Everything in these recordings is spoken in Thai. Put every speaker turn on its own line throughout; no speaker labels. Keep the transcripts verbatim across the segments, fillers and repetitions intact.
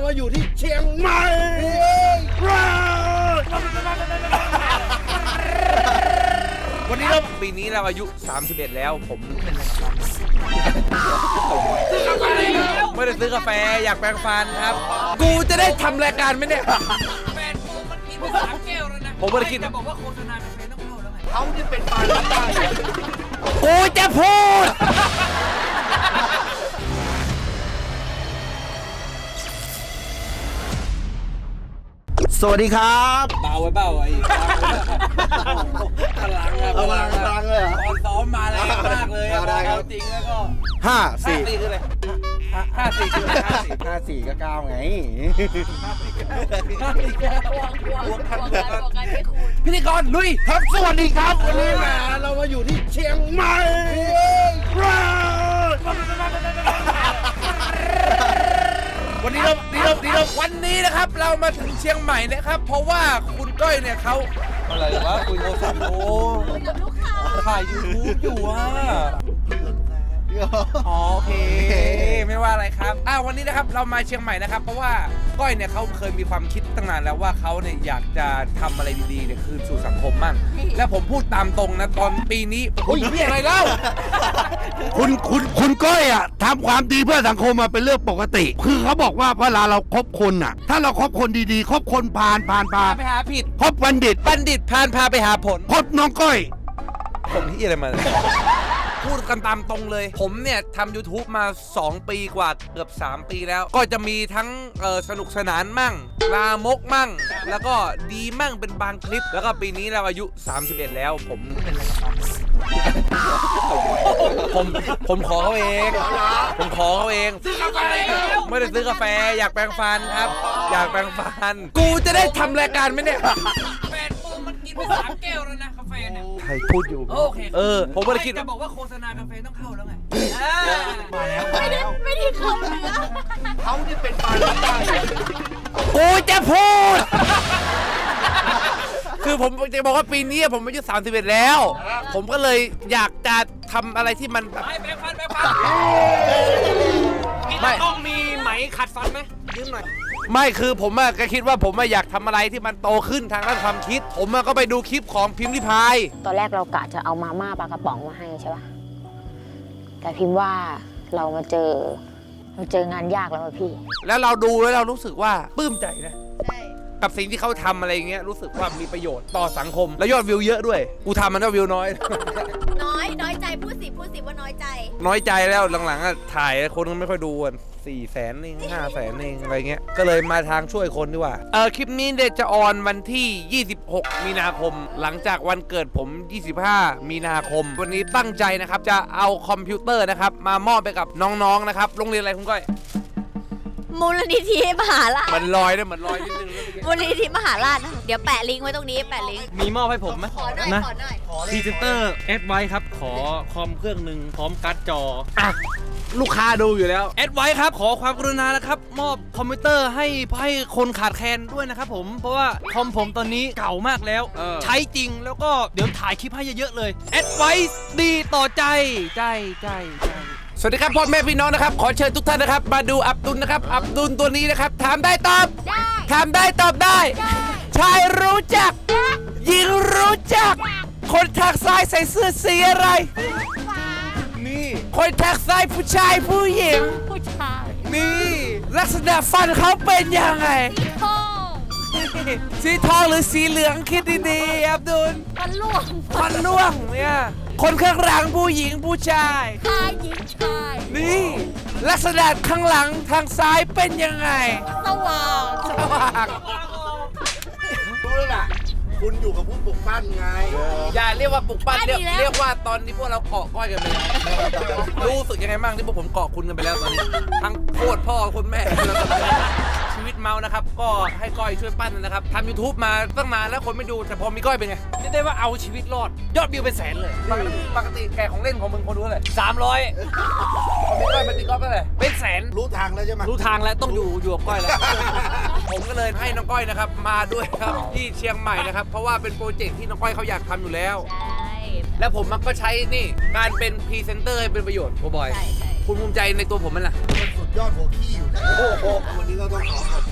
มาอยู่ที่เชียงใหม่วันนี้เราปีนี้เราอายุสามสิบเอ็ดแล้วผมไม่ได้ซื้อกาแฟอยากแปรงฟันครับกูจะได้ทำรายการไหมเนี่ย
แฟนกูมันกินไปสามแก้วแล้วนะ
ผมไม่ได้กิน
จะบอกว่าโฆษณากาแฟต้องเข้าแล้วไง
เขาที่เป็นปลากูจะพูดสวัสดีครับ
เบาไว้เบาไอ้พลังอะพลังพลังเลยตอนซ้อมมาแรงมากเลยอะเอาจริงแล้วก็
ห้าสี่
คืออะไรห้าสี่คืออะไรห้าสี่
ห้าสี่ก็เก้าไงพิธีกรลุยครับสวัสดีครับวันนี้แหมเรามาอยู่ที่เชียงใหม่วันนี้เราดีเราดีเราวันนี้นะครับเรามาถึงเชียงใหม่นะครับเพราะว่าคุณก้อยเนี่ยเขา
อะไรวะคุยโทรศัพท์โอ้ถ่ายยูทูบอยู่อ่ะ
โอเคไม่ว่าอะไรครับอ้าววันนี้นะครับเรามาเชียงใหม่นะครับเพราะว่าก้อยเนี่ยเขาเคยมีความคิดตั้งนานแล้วว่าเขาเนี่ยอยากจะทำอะไรดีๆเนี่ยคืนสู่สังคมมั่งและผมพูดตามตรงนะตอนปีนี้อุ้ยนี่อะไรเล่า
คุณคุณคุณก้อยอ่ะทำความดีเพื่อสังคมมาเป็นเรื่องปกติคือเขาบอกว่าเวลาเราคบคนอ่ะถ้าเราคบคนดีๆคบคนพาลพาลพา
ไปหาผิด
คบบัณฑิต
บัณฑิตพาลพาไปหาผล
คบน้องก้อย
ผมที่อะไรมาพูดกันตามตรงเลยผมเนี่ยทำ YouTube มาสองปีกว่าเกือบสามปีแล้วก็จะมีทั้งสนุกสนานมั่งลามกมั่งแล้วก็ดีมั่งเป็นบางคลิปแล้วก็ปีนี้เราอายุสามสิบเอ็ดแล้วผมผมผมขอเขาเองผมขอเขาเอง
ซื้อกาแฟ
ไม่ได้ซื้อกาแฟอยากแปรงฟันครับอยากแปรงฟันกูจะได้ทำรายการไหมเนี่ย
แฟนกูมันกินไปสามแก้วแล้วนะกาแฟเนี่ย
ใครพูดอยู่
โอเค
เออผมไม่ได้คิด
จะบอกว่าโฆษณากาแฟต้องเข้าแล้วไง
มาแล้ว
ไม่ได้ไม่ได้เข้าเนื้อ
เขาที่เป็นปลากูจะพูดคือผมจะบอกว่าปีนี้ผมอายุสามสิบเอ็ดแล้วผมก็เลยอยากจะทำอะไรที่มันแบบ
ไปแปรงฟันแปรงฟัน
ไม่
ต้องมีไหมขัดฟันไหมยืมหน่อย
ไม่คือผมอะก็คิดว่าผมอยากทำอะไรที่มันโตขึ้นทางด้านความคิดผมก็ไปดูคลิปของพิมพ์ริพาย
ตอนแรกเรากะจะเอามาม่าปลากระป๋องมาให้ใช่ป่ะแต่พิมพ์ว่าเรามาเจอเราเจองานยากแล้วพี่
แล้วเราดูแล้วเรารู้สึกว่าปลื้มใจนะกับสิ่งที่เขาทำอะไรอย่างเงี้ยรู้สึกว่ามีประโยชน์ต่อสังคมและยอดวิวเยอะด้วยกูทำมันก็วิวน้อย
น้อยน้อยใจพูดสิพูดสิว่าน้อยใจ
น้อยใจแล้วหลังๆถ่ายคนก็ไม่ค่อยดูกันสี่แสนเองห้าแสนเองอะไรเงี้ยก็เลยมาทางช่วยคนดีกว่าเออคลิปนี้เดี๋ยวจะออนวันที่ยี่สิบหกมีนาคมหลังจากวันเกิดผมยี่สิบห้ามีนาคมวันนี้ตั้งใจนะครับจะเอาคอมพิวเตอร์นะครับมามอบไปกับน้องๆนะครับโรงเรียนอะไรคุณก้อย
มูลนิธิมหาราช
มันลอยด้วยมันลอยนิดนึง
มูลนิธิมหาราชเดี๋ยวแปะลิงก์ไว้ตรงนี้แปะลิงก์
มีมอบให้ผมไหม
ขอหน่อยขอหน่อย
พรีเซนเตอร์แอดไว้ครับขอคอมเครื่องหนึ่งพร้อมการ์ดจอ
อ่ะลูกค้าดูอยู่แล้ว
แอดไว้ครับขอความกรุณานะครับมอบคอมพิวเตอร์ให้ให้คนขาดแคลนด้วยนะครับผมเพราะว่าคอมผมตอนนี้เก่ามากแล้วใช้จริงแล้วก็เดี๋ยวถ่ายคลิปให้เยอะๆเลยแอดไว้ดีต่อใจใจใจใจ
สวัสดีครับพ่อแม่พี่น้องนะครับขอเชิญทุกท่านนะครับมาดูอับดุลนะครับอับดุลตัวนี้นะครับถามได้ตอบถามได้ตอบได้ชายรู้จักหญิงรู้จักคนทางซ้ายใส่เสื้อสีอะไรนี่คนทางซ้ายผู้ชายผู้หญิง
ผู้ชาย
นี่ลักษณะฟันเขาเป็นยังไงสีทองหรือสีเหลืองคิดดีๆอับดุล
ฟันล่วง
ฟันล่วงเนี่ยคนข้างหลังผู้หญิงผู้ชาย
ชายหญิงชาย
นี่ลักษณะข้างหลังทางซ้ายเป็นยังไง
สว่าง
สว่าง
รู้แล้วล่ะคุณอยู่กับผู้ปลุกปั้นไง
อย่าเรียกว่าปลุกปั้นเรียกเรียกว่าตอนนี้พวกเราเกาะก้อยกันไปแล้วรู้สึกยังไงบ้างที่พวกผมเกาะคุณกันไปแล้วตอนนี้ทั้งโคตรพ่อคุณแม่ชีวิตเมานะครับก็ให้ก้อยช่วยปั้นนะครับทำ YouTube มาตั้งนานแล้วคนไม่ดูแต่พอมีก้อยเป็นไงเรียกได้ว่าเอาชีวิตรอดยอดวิวเป็นแสนเลยปกติปกติแกของเล่นของมึงคนดูอะไรสามร้อยพอมีก้อยเป็นตีก้อยเป็นอะไรเป็นแสน
รู้ทางแล้วใช่ไหม
รู้ทางแล้วต้องอยู่อยู่กับก้อยแล้วผมก็เลยให้น้องก้อยนะครับมาด้วยครับที่เชียงใหม่นะครับเพราะว่าเป็นโปรเจกต์ที่น้องก้อยเขาอยากทำอยู่แล้วแล้วผมมันก็ใช้นี่การเป็นพรีเซนเตอร์ให้เป็นประโยชน์โคบอยคุณภูมิใจในตัวผมมั้ยล่ะ
มันสุดยอดหัวขี้อยู่นะโอ้โหวันนี้ก็ต้องขอขอบ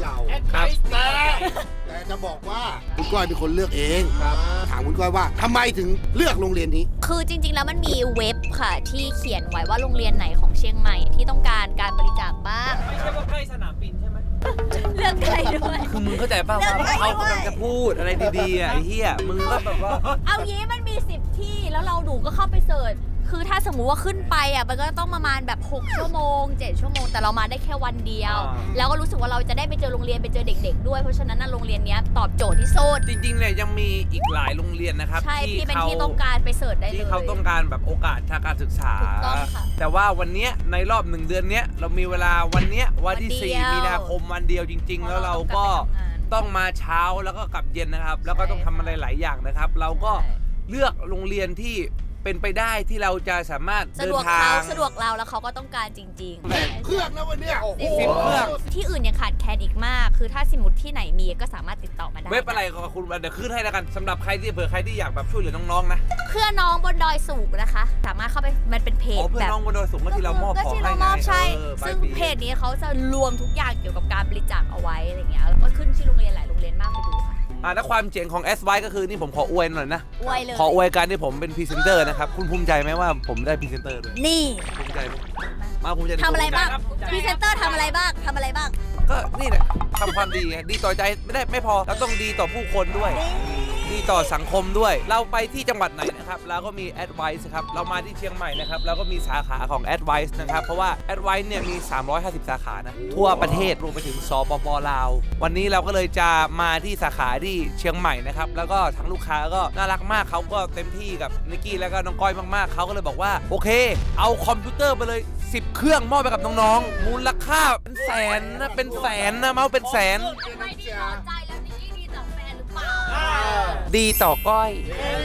เราครับแต่แต่จะบอกว่าคุณก้อยเป็นคนเลือกเองถามคุณก้อยว่าทำไมถึงเลือกโรงเรียนนี้
คือจริงๆ แล้วมันมีเว็บค่ะที่เขียนไว้ว่าโรงเรียนไหนของเชียงใหม่ที่ต้องการการบริจาคบ้าง
ไม่ใช่ว่าใกล้สนามบินใช่ไหม
เลือกใครด้วย
คือมึงเข้าใจป่าวว่าเขากำลังจะพูดอะไรดีๆอ่ะไอ้เหี้ยมึงก็แบบว่า
เอางี้มันมีสิบที่แล้วเราดูก็เข้าไปเสิร์ชคือถ้าสมมุติว่าขึ้นไปอ่ะมันก็ต้องประมาณแบบหกชั่วโมงเจ็ดชั่วโมงแต่เรามาได้แค่วันเดียว
อ่า
แล้วก็รู้สึกว่าเราจะได้ไปเจอโรงเรียนไปเจอเด็ก ๆ ด้วยเพราะฉะนั้นน่ะโรงเรียนเนี้ยตอบโจทย์ที่สุด
จริงๆเนี่ยยังมีอีกหลายโรงเรียนนะครับ
ใช่ที่เป็น
เขา
ที่ต้องการไปเสิร์ชได้เลย
ที่เขาต้องการแบบโอกาสทางการศึกษา
ถูกต้องค่ะ
แต่ว่าวันเนี้ยในรอบหนึ่งเดือนเนี้ยเรามีเวลาวันเนี้ยวันที่
วันเดี
สี่
ยว
มีนาคมวันเดียวจริง ๆ แล้วเราก็ต้องมาเช้าแล้วก็กลับเย็นนะครับ แล้วก็ต้องทำอะไรหลายอย่างนะครับ เราก็เลือกโรงเรียนที่เป็นไปได้ที่เราจะสามารถ
สะ
เดิ
ด
น
วก
ทา
เขา
ง
สะดวกเราแล้วเขาก็ต้องการจริง
เครื่องนะวันเนี้ย
สิบเครื่อง
ที่อื่นยังขาดแคลนอีกมาก คือถ้าสมมติที่ไหนมีก็สามารถติดต่อมาได้
เว็บอะไรก็คุณเดี๋ยวขึ้นให้แล้วกันสำหรับใครที่เผื่อใครที่อยากแบบช่วยเหลือน้องๆนะ
เพื่อน้องบนดอยสูงนะคะ สามารถเข้าไปมันเป็นเพจ
อ๋อเพื่อ
แบบ
น้องบนดอยสูงก็ที่เรามอบ
ก็
ของ
ที่
ให้
เรา
ไง
มอบใช่
ออ
ซึ่ง
ปลายปี
เพจนี้เขาจะรวมทุกอย่างเกี่ยวกับการบริจาคเอาไว้อะไรเงี้ยแล้วก็ขึ้นชื่อโรงเรียนหลายโรงเรียนมากไปดูค่ะ
อ่าถ้าความเจ๋งของ เอส วาย ก็คือนี่ผมขออวยหน่อยนะ
อวยเลย
ขออวยการที่ผมเป็นพรีเซนเตอร์นะครับ คุณภูมิใจไหมว่าผมได้พรีเซนเตอร์ด้วย
นี่
ภูมิใจไหมมาภูมิใจใน
ทำอะไรบ้าง
ตัวผม
พรีเซนเตอร์ทำอะไรบ้างทำอะไรบ้าง
ก็นี่แหละทำความดีไงดีต่อใจไม่ได้ไม่พอเราต้องดีต่อผู้คนด้วย ดีต่อสังคมด้วย เราไปที่จังหวัดไหนนะครับเราก็มี Advice ครับเรามาที่เชียงใหม่นะครับเราก็มีสาขาของ Advice นะครับเพราะว่า Advice เนี่ยมีสามร้อยห้าสิบสาขานะทั่วประเทศรวมไปถึงสปปลาววันนี้เราก็เลยจะมาที่สาขาที่เชียงใหม่นะครับแล้วก็ทั้งลูกค้าก็น่ารักมากเขาก็เต็มที่กับนิกกี้แล้วก็น้องก้อยมากๆเขาก็เลยบอกว่าโอเคเอาคอมพิวเตอร์ไปเลยสิบเครื่องมอบไปกับน้องๆมูลค่าเป็นแสนนะเป็นแสนนะเมาส์เป็นแสน
ใครที่พอใจแล้วนี่ดีต่อแฟนหรือเปล่า
ดีต่อก้อย
เอ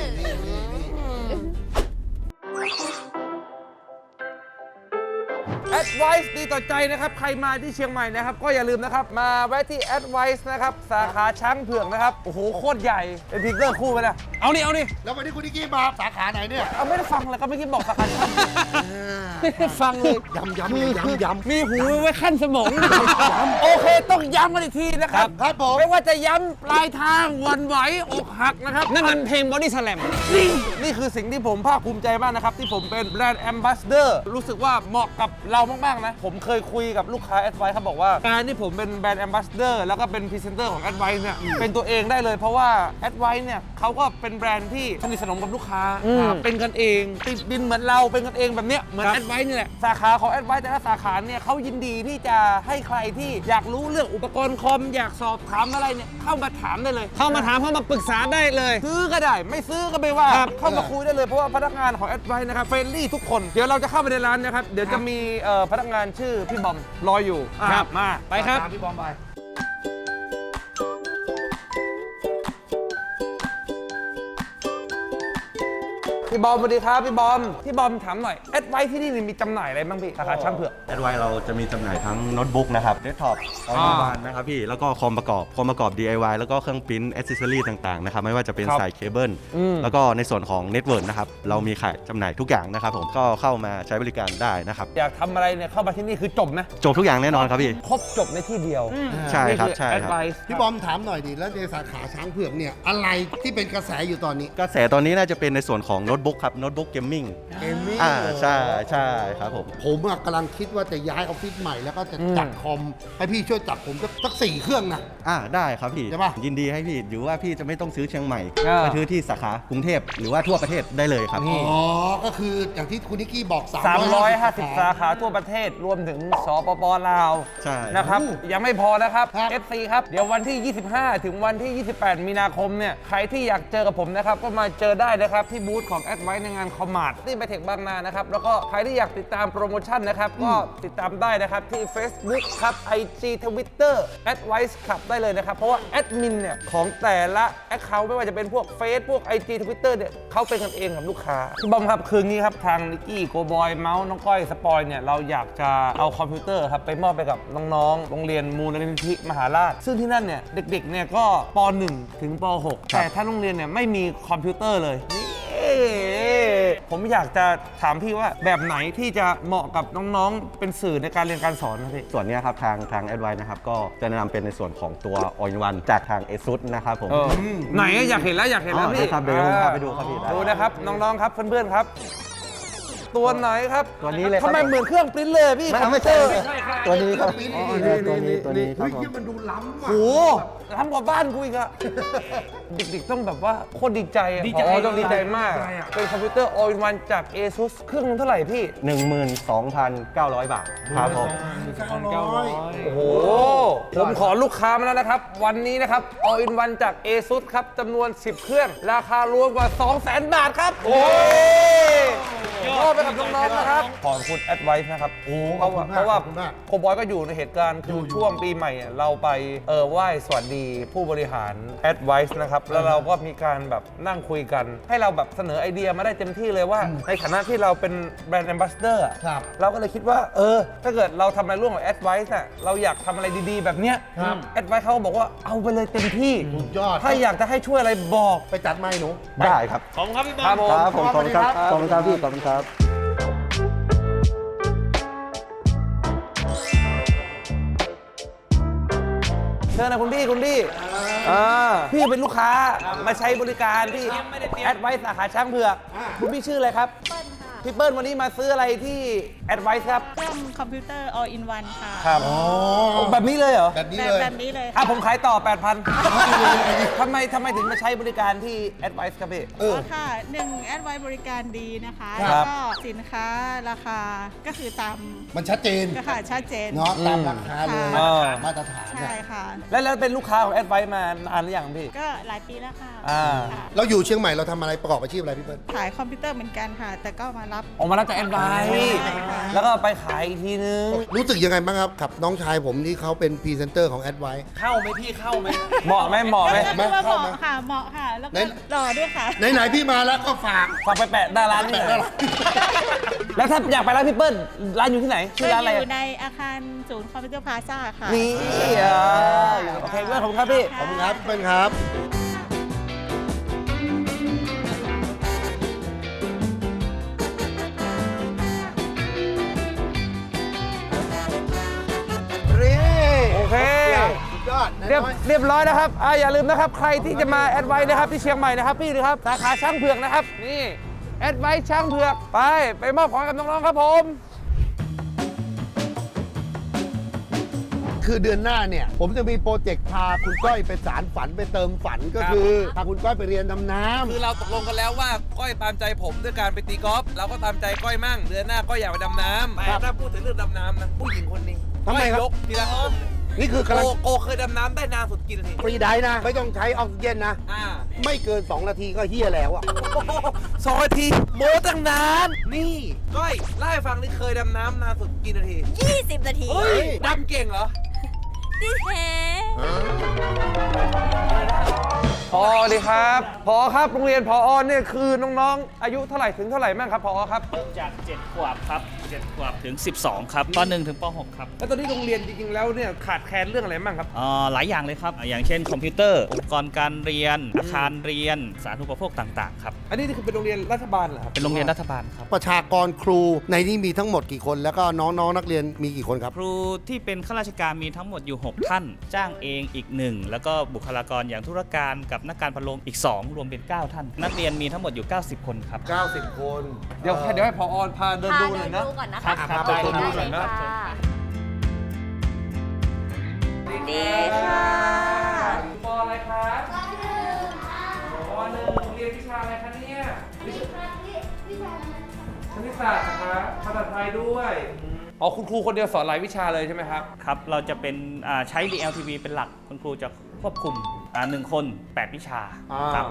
อ
Advice ดีต่อใจนะครับใครมาที่เชียงใหม่นะครับก็อย่าลืมนะครับมาแวะที่ Advice นะครับสาขาช้างเผือกนะครับโอ้โหโคตรใหญ่เป็นพิกเกอร์คู่ไปเลยเอานี่เอานี่
แล้ววันนี้คุณนิกกี้มาสาขาไหนเนี่ย
เอาไม่ได้ฟังเลยก็ไม่คิดบอกสาขาช้างไม่ได้ฟังเลย
ย้ำย้ำย้ำย้ำ
มีหูไว้ขั้นสมองโอเคต้องย้ำกันอีกทีนะครับ
ครับผม
ไม่ว่าจะย้ำปลายทางหวันไหวอกหักนะครับ
นั่นมันเพลง Body Slam
นี่นี่คือสิ่งที่ผมภาคภูมิใจมากนะครับ ที่ผมเป็นแบรนด์แอมบาสเดอร์รู้สึกว่าเหมาะกับเรามาก ๆ นะ ผมเคยคุยกับลูกค้า Advice เขาบอกว่า การที่ผมเป็นแบรนด์แอมบาสเดอร์แล้วก็เป็นพรีเซนเตอร์ของ Advice เนี่ยเป็นตัวเองได้เลยเพราะว่า Advice เนี่ยเขาก็เป็นแบรนด์ที่สนิทสนมกับลูกค้าเป็นกันเองติดดินเหมือนเราเป็นกันเองแบบเนี้ยเหมือน Advice นี่แหละสาขาของ Advice แต่ละสาขาเนี่ยเขายินดีที่จะให้ใครที่อยากรู้เรื่องอุปกรณ์คอมอยากสอบถามอะไรเนี่ยเข้ามาถามได้เลย
เข้ามาถามเข้ามาปรึกษาได้เลย
ซื้อก็ได้ไม่ซื้อก็ไม่ว่า
ครับ
เข้ามาคุยได้เลยเพราะว่าพนักงานของ Advice นะครับเฟรนลี่ทุกคนเดี๋ยวเราจะเข้าไปในร้านนะครับเดี๋ยวจะมีเอ่อพนักงานชื่อพี่บอมรออยู่อ่ะ
ครับ
มา
ไปครับ
ตามพี่บอมไป
พี่บอมสวัสดีครับพี่บอมพี่บอมถามหน่อย Advice ที่นี่มีจำหน่ายอะไรบ้างพี่สาขาช่างเผือก
แอดไวเราจะมีจำหน่ายทั้งโน้ตบุ๊กนะครับเดสก์ท็อปออนิวานนะครับพี่ แล้วก็คอมประกอบ คอมประกอบ ดี ไอ วาย แล้วก็เครื่องปริ้นท์แอ c เซสซอรี่ต่างๆนะครับไม่ว่าจะเป็น
ครับ
สายเคเบิล
อืม
แล้วก็ในส่วนของเน็ตเวิร์กนะครับเรามีขายจำหน่ายทุกอย่างนะครับผมก็เข้ามาใช้บริการได้นะครับ
อยากทำอะไรเนี่ยเข้ามาที่นี่คือจบนะ
จบทุกอย่างแน่นอนครับพี่
ครบจบในที่เดียว
ใช่ครับ
นี่อ
ใช่ครับ
Advice
พี่บอมถามหน่อยดิแล้วในสาขาช้างเผือกเนี่ยอะไรที่เป็นกระแสอยู่ตอนนี้
กระแสตอนนี้น่าจะเป็นในส่วนของโน้ตบุ๊กครับโน้ตบุ๊กเกมมิ่ง
เกมมิ่ง
อ่าใช่ใช่ครับผม
ผมอะกำลังคิดว่าจะย้ายออฟฟิศใหม่แล้วก็จะจัดคอมให้พี่ช่วยจัดผมสักสักสี่เครื่องนะ
อ่าได้ครับพี่
ใช่ปะ
ยินดีให้พี่หรือว่าพี่จะไม่ต้องซื้อเชียงใหม่
อ่า
ไปซื้อที่สาขากรุงเทพหรือว่าทั่วประเทศได้เลยครับ
นี่
อ๋อ ก็คืออย่างที่คุณนิกกี้บอก
สามร้อยห้าสิบ
สา
สา
ขา
ขาทั่วประเทศรวมถึงสปปลาว
ใช่
นะครับ
โอ้
ยังไม่พอนะครับ
ครับ
เอฟ ซี ครับ เดี๋ยววันที่ ยี่สิบห้า ถึงวันที่ ยี่สิบแปด มีนาคมเนี่ย ใครที่อยากเจอกับผมนะครับ ก็มาเจอได้นะครับ ที่บูธของ Advice ในงานคอมมาร์ทที่ไบเทคบางนานะครับ แล้วก็ใครที่อยากติดตามโปรโมชั่นนะครับ ก็ติดตามได้นะครับที่ Facebook ครับ ไอ จี Twitter Advice ขับได้เลยนะครับ เพราะว่าแอดมินเนี่ยของแต่ละ Account ไม่ว่าจะเป็นพวก Face พวก ไอ จี Twitter เนี่ยเขาเป็นกันเองกับลูกค้าพี่บอมครับคืนนี้ครับทางนิกกี้โกบอยเมาส์น้องก้อยสปอยเนี่ยเราอยากจะเอาคอมพิวเตอร์ครับไปมอบไปกับน้องๆ โรงเรียนมูลนิธิมหาราช ซึ่งที่นั่นเนี่ยเด็กๆเนี่ยก็ป .หนึ่ง ถึงป .หก แต่ถ้าโรงเรียนเนี่ยไม่มีคอมพิวเตอร์เลยนี่ผมอยากจะถามพี่ว่าแบบไหนที่จะเหมาะกับน้องๆเป็นสื่อในการเรียนการสอนครับพี่
ส่วนนี้ครับทางทาง Advice นะครับก็จะแนะนำเป็นในส่วนของตัว All in One จากทาง ASUS นะครับผม
เออไหนอะอยากเห็นแล้วอยากเห็นแล้ว
อ๋อ
พี่
ได้ครับเดี๋ยวผมพาไปดูครับพี่ได้
ดูนะครับน้องๆครับเพื่อนๆครับ ตัวไหนครับ
ตัวนี้เลยครับ
ทำไมเหมือนเครื่องปริ้นเลยพี่
ไม่ไม่ใช่ตัวนี้ครับ
นี่
อ๋อ
นี่
ตัวนี้ตัวนี้ครับ
เฮ้ย
ผม
เหี้ยมันดูล้ำว่ะ
โอ้โหทำกว่าบ้านกูอีกอะเด็กๆต้องแบบว่าโคตรดีใจอะอ๋อต้องดีใจมาก เป็นคอมพิวเตอร์ All in One จาก ASUS เครื่องนึงเท่าไหร่พี่
หนึ่งหมื่นสองพันเก้าร้อย บาทครับผม
โอ้โห ผมขอลูกค้ามาแล้วนะครับ วันนี้นะครับ All in One จาก ASUS ครับจำนวน สิบ เครื่อง ราคารวมกว่า สองแสน บาทครับ โอ้ยมอบไปกับน้องๆนะครับ ขอบคุณ Advice นะครับเพราะว่าเพราะว่าโคบอยก็อยู่ในเหตุการณ์คือช่วงปีใหม่อะเราไปเออไหว้สวัสดีผู้บริหาร Advice นะครับ แล้วเราก็มีการแบบนั่งคุยกัน ให้เราแบบเสนอไอเดียมาได้เต็มที่เลยว่า ในฐานะที่เราเป็นแบรนด์ Ambassador อะ
ครับ
เราก็เลยคิดว่าเออถ้าเกิดเราทำอะไรร่วมกับ Advice น่ะเราอยากทำอะไรดีๆ แบบเนี้ย
ครับ
Advice เขาก็บอกว่าเอาไปเลยเต็มที่
สุดยอด
ถ้าอยากจะให้ช่วยอะไรบอก
ไปจัดไม้หนู
ได้ครับ
ขอบคุณครับพี่บอ
ครั
ล
บผม
ครับผมขอบคุณครับ
ครับ
ขอบคุณครับพี่ขอบคุณครับ
เชิญนะคุณพี่คุณพี่อ่าพี่เป็นลูกค้ามาใช้บริการที่ Advice สาขาช้างเผือกคุณพี่ชื่ออะไรครับ
เปิ้ลค่ะ
พี่เปิ้ลวันนี้มาซื้ออะไรที่ Advice ครับ
เครื่องคอมพิวเตอร์ all in one ค่ะ
ครับแบบนี้เลยเหรอ
แบบนี้
แบ
เล
บ
ย
แบบนี้เลย
อ่ะผมขายต่อ แปดพัน ทำไมทำไมถึงมาใช้บริการที่ Advice ครับพี่
เออ
ค่ะหนึ่งแอดไวบริการดีนะคะ
ครั
แล้ว
บ
ก็สินค้าราคาก็คือตาม
มันชัดเจน
ก็ค่ะชัดเจน
เนาะตามราคาเลย
อืม
มาตรฐาน
ใช่ค่ะ
แล้วแล้วเป็นลูกค้าของ Advice มานานหรือยังพี่
ก็หลายปีแล้วค่ะ
อ่า
ค่ะ
เราอยู่เชียงใหม่เราทำอะไรประกอบอาชีพอะไรพี่เปิ้ล
ขายคอมพิวเตอร์เหมือนกันค่ะ แต่ก็มารับ
ออกมารับจาก Advice
ใช่ค่ะ
แล้วก็ไปขายอีกทีนึง
รู้สึกยังไงบ้างครับกับน้องชายผมที่เขาเป็นพรีเซนเตอร์ของ Advice
เข้าไหมพี่เข้าไหม
เหมาะไหมเหมาะไหม
ก็
ไหม
คือว่าเห
เข้าไหม
มาะค่ะเหมาะค่ะ แล้ว
ไหน
ก็หล่อด้วยค่ะ
ไหนๆพี่มาแล้วก็ฝาก
ฝากไปแปะดาร้านนี่หน่อย
แปะดารา
แล้วถ้าอยากไปร้านพี่เปิ้ลร้านอยู่ที่ไหนชื่อร้านอะไร
อ
อะ
ยู่ในอาคารศูนย์คอมพิวเตอร์พลาซ่าค่ะ
นี่อ่ะโอเคเพื่อนผมครับพี่
ขอบคุณครับพี่เปิ้ลครับ
โอเค
สุดยอด
เรียบเรียบร้อยนะครับอ่าอย่าลืมนะครับ ใครที่จะมาแอดไวนะครับที่เชียงใหม่นะครับพี่นะครับสาขาช้างเผือกนะครับ นี่แอดไวช้างเผือกไป ไปมอบของกับน้องๆครับผม
คือเดือนหน้าเนี่ย ผมจะมีโปรเจกต์พาคุณก้อยไปสารฝันไปเติมฝันก็คือพาคุณก้อยไปเรียนดำน้ำ
คือเราตกลงกันแล้วว่าก้อยตามใจผมด้วยการไปตีกอล์ฟเราก็ตามใจก้อยมั่งเดือนหน้าก้อยอยากไปดำน้ำแต่ถ้าพูดถึงเรื่องดำน้ำนะผู้หญิงคนนี้
ทำไมครับ
ก้อยยกทีละคน
นี่คือกำ
โก
ลัง
โกเคยดำน้ำได้นานสุดกี่นาที
ฟรีไดฟ์นะ ไม่ต้องใช้ออกซิเจนนะ
อ่า
ไม่เกิน สอง นาทีก็เฮี้ยแล้วอ่ะ
สองนาทีโมตั้งนาน นี่ก้อยเล่าให้ฟังนี่เคยดำน้ำนานสุดกี่นาที
ยี่สิบนาที
เฮ้ยดำเก่งเหรอ
ดิเฮ
พอดีครับพอครับโรงเรียนพอเนี่ยคือน้องๆ อายุเท่าไหร่ถึงเท่าไหร่บ้างครับพอครับ
จากเจ็ดขวบครับเจ็ดขวบถึงสิบสองครับปหนึ่งถึงปหกครับ
แล้วตอนนี้โรงเรียนจริงๆแล้วเนี่ยขาดแคลนเรื่องอะไรบ้างครับ
อ่าหลายอย่างเลยครับ อย่างเช่นคอมพิวเตอร์ อุปกรณ์การเรียน อาคารเรียน สาธารณูปโภคต่างๆครับ
อันนี้นี่คือเป็นโรงเรียนรัฐบาลเหรอครับ
เป็นโรงเรียนรัฐบาลครับ
ประชากรครูในนี้มีทั้งหมดกี่คน แล้วก็น้องๆนักเรียนมีกี่คนครับ
ครูที่เป็นข้าราชการมีทั้งหมดอยู่ หก ท่าน จ้างเองอีกหนึ่งแล้วก็บุคลากรอย่างธุรการกับนักการพะโล้อีก สอง รวมเป็น เก้า ท่าน นักเรียนมีทั้งหมดอยู่ เก้าสิบ คนครับ
เก้าสิบ คน
เดี๋ยวเดี๋ยวให้พอพาเดิน
พา
ดูห
เดิ
น่อย
น
นะ
ดูก่อนนะ
ครั
คะ
บครับ
ไปดูหน่อยนะ
ดีค่ะ
ปออะไรครับปหนึ่งปหนึ่งเรียนวิชาอะไรคะเนี่ยวิชาคณิตศาสตร์นะครับภาษาไทยด้วยอ๋อคุณครูคนเดียวสอนหลายวิชาเลยใช่ไหมครับ
ครับ เราจะเป็นอ่าใช้ ดี แอล ที วี เป็นหลัก คุณครูจะควบคุมอ่าหนึ่งคน แปด วิชาครับ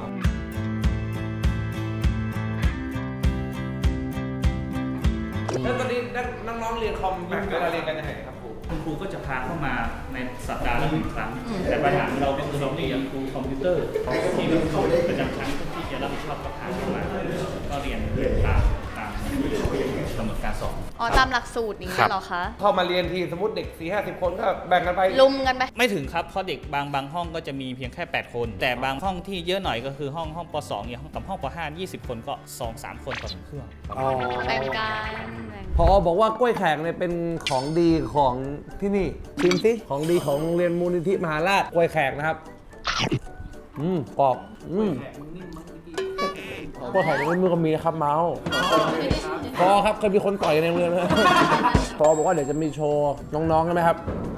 แล้วตอนนี้น้องๆเรียนคอมแบ่งเวลาเรียนกันยังไงครับครู
คุณครูก็จะพาเข้ามาในสัปดาห์ละหนึ่งครั้ง แต่ปัญหาเราเป็นเราเรียนครูคอมพิวเตอร์ที่ประจำชั้นที่จะรับผิดชอบก็พาเข้ามาก็เรียนตามตามกำหนดการสอน
อ๋อตามหลักสูตรอย่างนี้เหรอคะ
เข้ามาเรียนทีสมมติเด็กสี่ห้าสิบคนก็แบ่งกันไป
ลุมกันไป
ไม่ถึงครับเพราะเด็กบางบางห้องก็จะมีเพียงแค่แปดคน แต่บางห้องที่เยอะหน่อยก็คือห้องห้องป สองเนี่ยห้องกับห้องป ห้า ยี่สิบคนก็ สองสาม คนต่อหนึ่งเครื่อง
แบ่งกันแบ่ง
พอบอกว่ากล้วยแขกเนี่ยเป็นของดีของที่นี่ชิมสิของดีของโรงเรียนมูลนิธิมหาราชกล้วยแขกนะครับอืมกรอบอืมกล้วยแขกนี่มือก็มีนะครับเมาส์พอครับเคยมีคนต่อยในโรงเรียนเลยพอบอกว่าเดี๋ยวจะมีโชว์น้องๆใช่ไหมครับ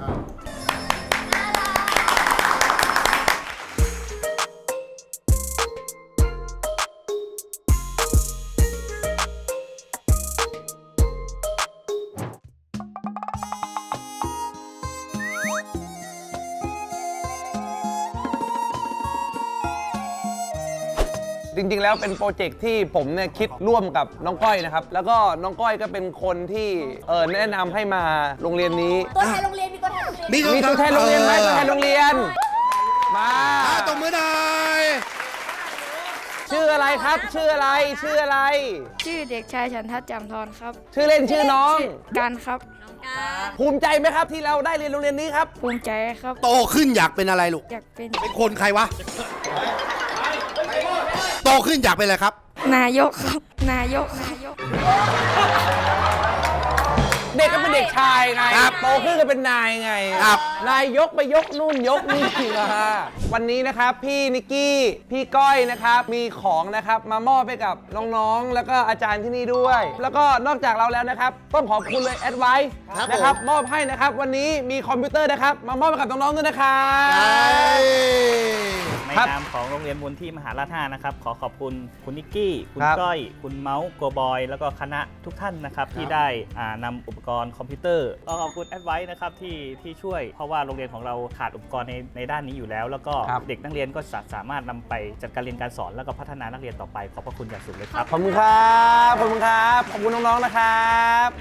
จริงๆ แล้วเป็นโปรเจกต์ที่ผมเนี่ยคิดร่วมกับน้องก้อยนะครับ แล้วก็น้องก้อยก็เป็นคนที่เออแนะนำให้มาโรงเรียนนี้
ตัวแทนโรงเรียนมีตัวแทนโรงเรียน
มี
มีตัวแทนโรงเรียนไหมตัวแทนโรงเรียน มา
อ่าตบมือหน่อย
ชื่ออะไรครับ ชื่ออะไร ชื่ออะไร
ชื่อเด็กชายฉันทัศน์จำทรครับ
ชื่อเล่นชื่อน้อง
การครับ
ภูมิใจไหมครับที่เราได้เรียนโรงเรียนนี้ครับ
ภูมิใจครับ
โตขึ้นอยากเป็นอะไรลูก
อยากเป็น
เป็นคนใครวะ โตขึ้นอยากเป็นอะไรครับ
นายกครับ นายก นายก
เด็กก็เป็นเด็กชายไง
ครับ
โตขึ้นก็เป็นนายไง
ครับ
นายยกไปยกนู่นยกนี่นะฮะวันนี้นะครับพี่นิกกี้พี่ก้อยนะครับมีของนะครับมามอบให้กับน้องๆ แล้วก็อาจารย์ที่นี่ด้วย แล้วก็นอกจากเราแล้วนะครับต้องขอบคุณเลยแอดไวซ์นะครับมอบให้นะครับวันนี้มีคอมพิวเตอร์นะครับมามอบให้กับน้องๆด้วยนะครับ
ใน
ครับ
นามของโรงเรียนมูลที่มหาราชห้านะครับขอขอบคุณคุณนิกกี้ คุณ
ครับ
ก้อย คุณเมาส์โกบอย แล้วก็คณะทุกท่านนะครับที่ได้อ่านำอุปกรณ์คอมพิวเตอร์ก็ขอบคุณแอดไวซ์นะครับที่ที่ช่วย เพราะว่าโรงเรียนของเราขาดอุปกรณ์ในในด้านนี้อยู่แล้ว แล้วก็เด็กนักเรียนก็สาสามารถนำไปจัดการเรียนการสอนแล้วก็พัฒนานักเรียนต่อไปขอบพระคุณอย่างสูงเลยครับ
ขอบคุณครับขอบคุณครับขอบคุณน้องๆนะครับ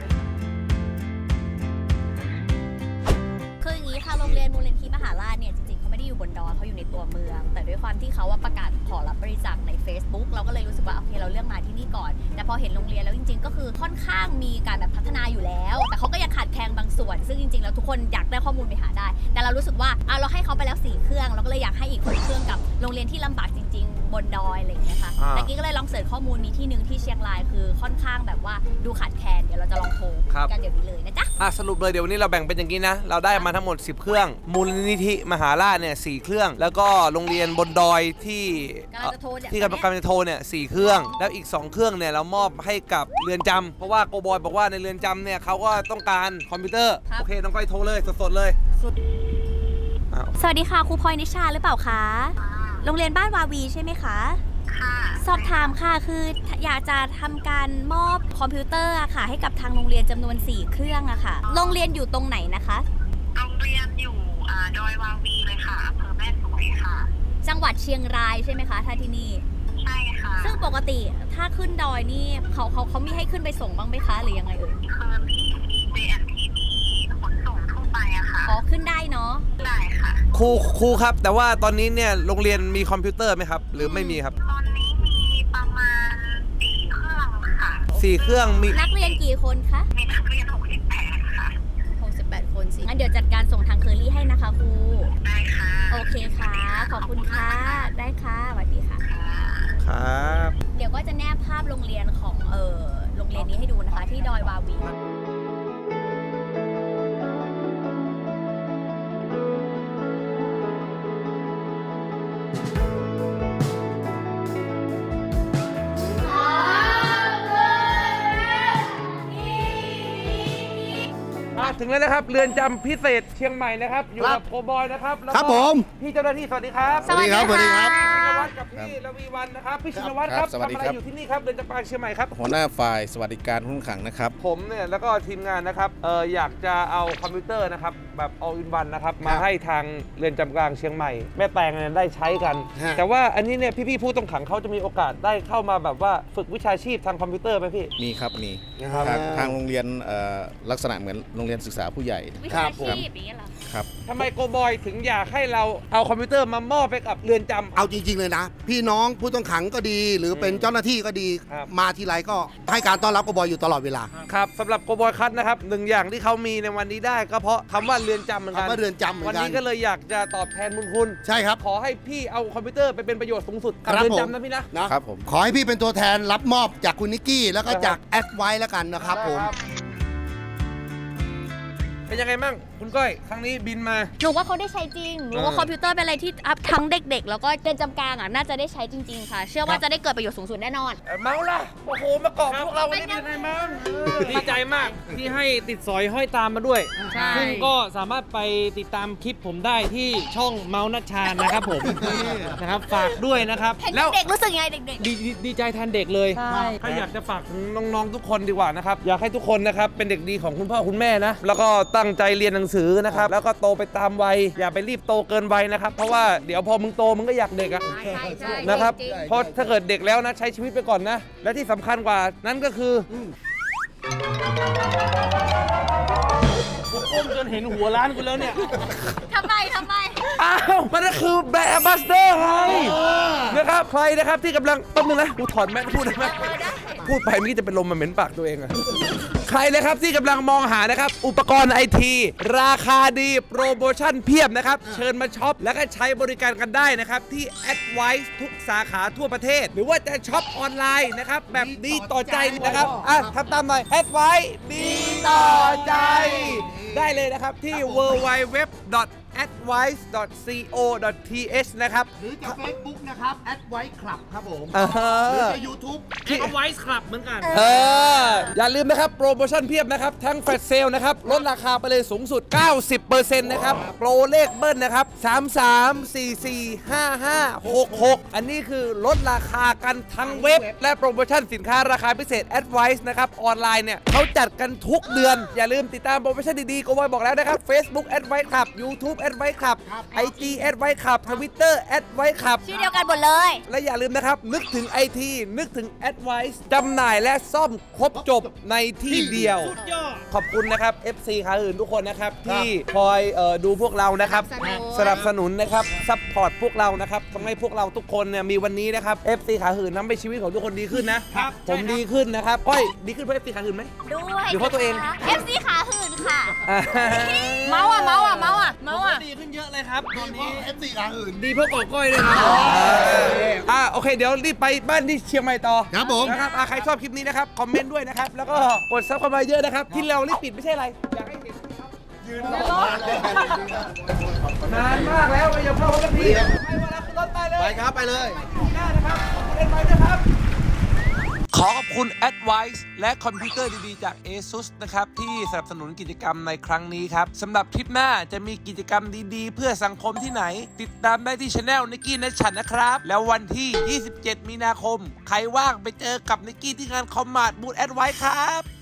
คืออย่างนี้ค่ะโรงเรียนมูลนิธิมหาราชเนี่ยจริงๆเขาไม่ได้อยู่บนดอยเขาอยู่ในตัวเมือง แต่ด้วยความที่เขาว่าประกาศขอรับบริจาคใน Facebook เราก็เลยรู้สึกว่าโอเคเราเลือกมาที่นี่ก่อน แต่พอเห็นโรงเรียนแล้วจริงๆ ก็คือค่อนข้างมีการแบบพัฒนาอยู่แล้ว แต่เขาก็ยังขาดแคลนบางส่วน ซึ่งจริงๆแล้วทุกคนอยากได้ข้อมูลไปหาได้ แต่เรารู้สึกว่าอ่ะเราให้เขาไปแล้วสี่เครื่องเราก็เลยอยากให้อีกคนเครื่องกับโรงเรียนที่ลำบากจริงๆ บนดอยอะไรอย่างเงี้ยค่ะ
อ่า
แต่กี้ก็เลยลองเสิร์ชข้อมูลมีที่หนึ่งที่เชียงรายคือค่อนข้างแบบว่าดูขาดแคลนเดี๋ยวเราจะลองโทรกันเดี๋ยวนี้เลยนะจ๊ะ
อ่ะสรุปเลยเดี๋ยววันนี้เราแบ่งเป็นอย่างนี้นะ เราได้มาทั้งหมดสิบเครื่อง มูลนิธิมหาราชเนี่ยสี่เครื่อง แล้วก็โรงเรียนบนดอยที่
กำลังจะโทรเนี่ย
ที่กำลังกำลังจะโทรเนี่ยสี่เครื่อง แล้วอีกสองเครื่องเนี่ยเรามอบให้กับเรือนจำเพราะว่าโกบอยบอกว่าในเรือนจำเนี่ยเขาก็ต้องการคอมพิวเตอร์
ครับ
โอเคน้องก้อยโทรเลยสดๆเลยอ้าว
สวัสดีค่ะครูพลอยนิชาหรือเปล่าคะ โรงเรียนบ้านวาวีใช่ไหมคะ ค่ะ สอบถามค่ะคืออยากจะทำการมอบคอมพิวเตอร์อะค่ะ ให้กับทางโรงเรียนจำนวนสี่เครื่องอะค่ะ โรงเรียนอยู่ตรงไหนนะคะ
โรงเรียนอยู่อ่าดอยวาวีเลยค่ะอำเภอแม่สวยค่ะ
จังหวัดเชียงรายใช่ไหมคะถ้าที่นี่
ใช่ค่ะ
ซึ่งปกติถ้าขึ้นดอยนี่เขาเขาเขามีให้ขึ้นไปส่งบ้างไหมคะหรือยังไงเอ่ย
คือที่ เจ แอนด์ ที บี ขนส่งทั่วไปอะค่ะ
อ๋อขึ้นได้เนาะ
ได้ค่ะ
ครูครูครับ แต่ว่าตอนนี้เนี่ยโรงเรียนมีคอมพิวเตอร์ไหมครับ หรือไม่มีครับ
ตอนนี้มีประมาณสี่เครื่องค่ะ
สี่เครื่องมี
นักเรียนกี่คนคะ
มีนักเรียนหกสิบแปดค่ะ
หกสิบแปดคนสิงั้นเดี๋ยวจัดการส่งทางเคอรี่ให้นะคะครู
ได้ค่ะ
โอเคค่ะ ขอบคุณค่ะ ได้ค่ะสวัสดีค่ะ
ครับ
เดี๋ยวก็จะแนบภาพโรงเรียนของเออโรงเรียนนี้ให้ดูนะคะ ที่ดอยวาวี
มาถึงแล้วนะครับเรือนจำพิเศษเชียงใหม่นะครับอยู่กับโกบอยนะครับแล้วก็
ครับผม
พี่เจ้าหน้าที่สวัสดีครับ
สวัสดีครับ
สวัสดีครับ
ชินวัตรกับพี่ระวีวันนะครับพี่ชินวัตรครับ
ครับสวัสดี
ทำอะไร
ครับ
อยู่ที่นี่ครับเรือนจำกลางเชียงใหม่ครับ
หัวหน้าฝ่ายสวัสดิการผู้ต้องขังนะครับ
ผมเนี่ยแล้วก็ทีมงานนะครับเอออยากจะเอาคอมพิวเตอร์นะครับแบบ all in one นะครับมาให้ทางเรือนจำกลางเชียงใหม่แม่แตงเนี่ยได้ใช้กัน
ฮะ
แต่ว่าอันนี้เนี่ยพี่ๆผู้ต้องขังเขาจะมีโอกาสได้เข้ามาแบบว่าฝึกวิชาชีพทางคอมพิวเตอร์ไหมพี่
มีครับมี
ครับ
ทางทางโรงเรียนเอ่อลักษณะเหมือนโรงเรียนศึกษาผู้ใหญ่
วิชาชีพอย่างเงี้ยเหรอ
ครับ
ทำไมโกบอยถึงอยากให้เราเอาคอมพิวเตอร์มามอบไปกับเรือนจำ
เอาจริง ๆ เลยนะ พี่น้องผู้ต้องขังก็ดี หรือเป็นเจ้าหน้าที่ก็ดี
ครับ
มาทีไรก็ให้การต้อนรับกบอยอยู่ตลอดเวลา
ครับสำหรับโกบอยคัทนะครับหนึ่งอย่างที่เขามีในวันนี้ได้ก็เพราะคำว่าเรือนจำเหมือนกัน
คำว่าเรือนจำเหมือนกัน
วันนี้ก็เลยอยากจะตอบแทนบุญคุณ
ใช่ครับ
ขอให้พี่เอาคอมพิวเตอร์ไปเป็นประโยชน์สูงสุดกับ
ครับ
เรือน
ผม
จำนะพี่นะ
นะครับ
ผม
ขอให้พี่เป็นตัวแทนรับมอบจากคุณนิกกี้แล้วก็จากแอดไว้แล้วกันนะครับผม
เป็นยังไงมั่งคุณก้อยครั้งนี้บินมา
หนูว่าเขาได้ใช้จริง หนูว่าคอมพิวเตอร์เป็นอะไรที่อัพทั้งเด็กๆ แล้วก็เรียนจำกลางอ่ะน่าจะได้ใช้จริงๆ ค่ะ เชื่อว่าจะได้เกิดประโยชน์สูงสุดแน่นอน
เมาล่ะโอ้โหมาเกาะพวกเราวันนี้เป็นยังไงมั่ง
ดีใจมากที่ให้ติดสอยห้อยตามมาด้วย
ใช่
ซึ่งก็สามารถไปติดตามคลิปผมได้ที่ช่องเมาส์นัชชานะครับผม นะครับฝากด้วยนะครับ
เห็นเด็กๆรู้สึกยังไงเด็ก
ดีดีดีใจแทนเด็กเลย
ใช่
ถ้าอยากจะฝากถึงน้องๆทุกคนดีกว่านะครับอยากให้ทุกคนนะครับเป็นเด็กดีของคุณพ่อคุณแม่นะแล้วก็ตั้งใจเรียนหนังสือนะครับแล้วก็โตไปตามวัยอย่าไปรีบโตเกินวัยนะครับเพราะว่าเดี๋ยวพอมึงโตมึงก็อยากเด็กอะ
ใช่ใช่
นะครับ
จงๆ
เพราะถ้าเกิดเด็กแล้วนะใช้ชีวิตไปก่อนนะ และที่สำคัญกว่านั้นก็คือผมก้มจนเห็นหัวร้านกูแล้วเนี่ย
ทำไมทำไม
อ้าว มันก็คือแบรนด์แอมบาสเดอร์ไงนะครับใครนะครับที่กำลังแป๊บนึงนะกูถอนแมสพูดได้ไหมพูดไปเมื่อกี้จะเป็นลมมาเหม็นปากตัวเองอะใครนะครับที่กำลังมองหานะครับอุปกรณ์ไอทีราคาดีโปรโมชั่นเพียบนะครับเชิญมาช็อปแล้วก็ใช้บริการกันได้นะครับที่ Advice ทุกสาขาทั่วประเทศ หรือว่าจะช็อปออนไลน์นะครับแบบดีต่อใจนะครับอ่ะทำตามหน่อย Advice ดีต่อใจ ได้เลยนะครับที่ ดับเบิลยู ดับเบิลยู ดับเบิลยู ดอท แอดไวซ์ ดอท ซี โอ ดอท ที เอช นะครับ
หรือจะ Facebook นะครับแอดไว้คลับครับผม
อ่าฮะ
หรือจะ YouTube
ที่เอาไว้คลับเหมือนกัน
เอออย่าลืมนะครับ โปรโมชั่นเพียบนะครับ ทั้งแฟลชเซลนะครับ ลดราคาไปเลยสูงสุด เก้าสิบเปอร์เซ็นต์ นะครับ โปรเลขเบิ้ลนะครับ สาม สาม สี่ สี่ ห้า ห้า หก หก อันนี้คือลดราคากันทั้งเว็บ และโปรโมชั่นสินค้าราคาพิเศษ Advice นะครับ ออนไลน์เนี่ยเขาจัดกันทุกเดือน อย่าลืมติดตามโปรโมชั่นดีๆก็ไว้บอกแล้วนะครับ Facebook Advice ครับ YouTube Advice ครับ ไอ จี Advice ครับ Twitter Advice ครับ
ชื่อเดียวกันหมดเลย
และอย่าลืมนะครับ นึกถึง ไอ ที นึกถึง Advice จำหน่ายและซ่อมครบจบในที่เดียว ขอบคุณนะครับ เอฟ ซี ขาอื่นทุกคนนะครับ ที่คอยเอ่อดูพวกเรานะครับ สนับสนุนนะครับ ซัพพอร์ตพวกเรานะครับทำให้พวกเราทุกคนเนี่ยมีวันนี้นะครับ เอฟ ซี ขาหื่นทำให้ชีวิตของทุกคนดีขึ้นนะ ผมดีขึ้นนะครับก้อยดีขึ้นเพราะ เอฟ ซี ขาหื่นไหม
ด้วย
หรือเพราะตัวเอง
เอฟซีขาหื่นค่ะ
อ่า
เมาอ่ะ เมาอ่ะ เมาอ่ะ เมาอ่ะ
ดีขึ้นเยอะเลยครับตอนนี้
เอฟซีขาอื่น
ดีเพราะกอก้อยเลยนะ
อ่าโอเค เดี๋ยวรีบไปบ้านที่เชียงใหม่ต่อ
ครับผม
นะครับอ่าใครชอบคลิปนี้นะครับ คอมเมนต์ด้วยนะครับ แล้วก็กดซับเข้ามาเยอะนะครับ ที่เรารีบปิดไม่ใช่อะไร อยากให้เห็นนะครับยืนรอนานมากแล้วไม่ยอมเข้าสักทีไปวันละขึ้นรถไปเลย
ไปครับ ไปเลย
หน้านะครับ ขอบคุณเอ็นไวนะครับ ขอขอบคุณ Advice และคอมพิวเตอร์ดีๆจาก ASUS นะครับ ที่สนับสนุนกิจกรรมในครั้งนี้ครับสำหรับทริปหน้าจะมีกิจกรรมดีๆ เพื่อสังคมที่ไหน ติดตามได้ที่ช anel นิกกี้นัชชันนะครับ แล้ววันที่ ยี่สิบเจ็ด มีนาคม ใครว่างไปเจอกับนิกกี้ที่งานคอมมาดบูธ Advice ครับ